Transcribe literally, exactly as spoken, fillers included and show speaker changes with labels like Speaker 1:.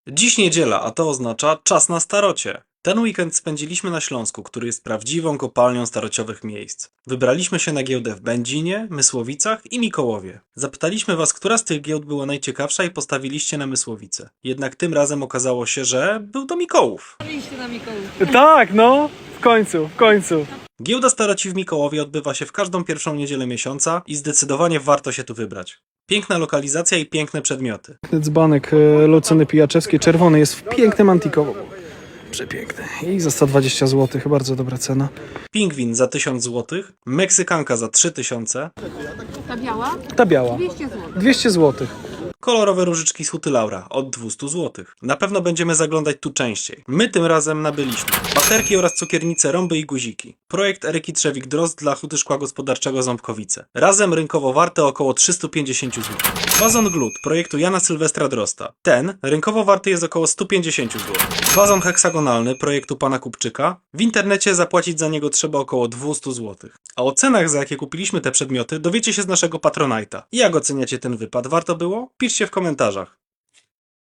Speaker 1: Dziś niedziela, a to oznacza czas na starocie. Ten weekend spędziliśmy na Śląsku, który jest prawdziwą kopalnią starociowych miejsc. Wybraliśmy się na giełdę w Będzinie, Mysłowicach i Mikołowie. Zapytaliśmy was, która z tych giełd była najciekawsza i postawiliście na Mysłowice. Jednak tym razem okazało się, że był to Mikołów.
Speaker 2: Iście na Mikołów.
Speaker 3: Tak, no, w końcu, w końcu.
Speaker 1: Giełda staroci w Mikołowie odbywa się w każdą pierwszą niedzielę miesiąca i zdecydowanie warto się tu wybrać. Piękna lokalizacja i piękne przedmioty.
Speaker 3: Dzbanek e, Lucyny Pijaczewskiej, czerwony, jest w pięknym antikowo. Przepiękny. I za sto dwadzieścia złotych, bardzo dobra cena.
Speaker 1: Pingwin za tysiąc złotych, Meksykanka za trzy tysiące,
Speaker 2: Ta biała?
Speaker 3: Ta biała,
Speaker 2: dwieście złotych.
Speaker 3: dwieście złotych.
Speaker 1: kolorowe różyczki z Huty Laura od dwieście złotych. Na pewno będziemy zaglądać tu częściej. My tym razem nabyliśmy baterki oraz cukiernice, rąby i guziki. Projekt Eryki Trzewik-Drozd dla Huty Szkła Gospodarczego Ząbkowice. Razem rynkowo warte około trzysta pięćdziesiąt złotych. Wazon Glut projektu Jana Sylwestra Drosta. Ten rynkowo warty jest około sto pięćdziesiąt złotych. Wazon heksagonalny projektu pana Kupczyka. W internecie zapłacić za niego trzeba około dwieście złotych. A o cenach, za jakie kupiliśmy te przedmioty, dowiecie się z naszego Patronite'a. Jak oceniacie ten wypad? Warto było? Piszcie w komentarzach.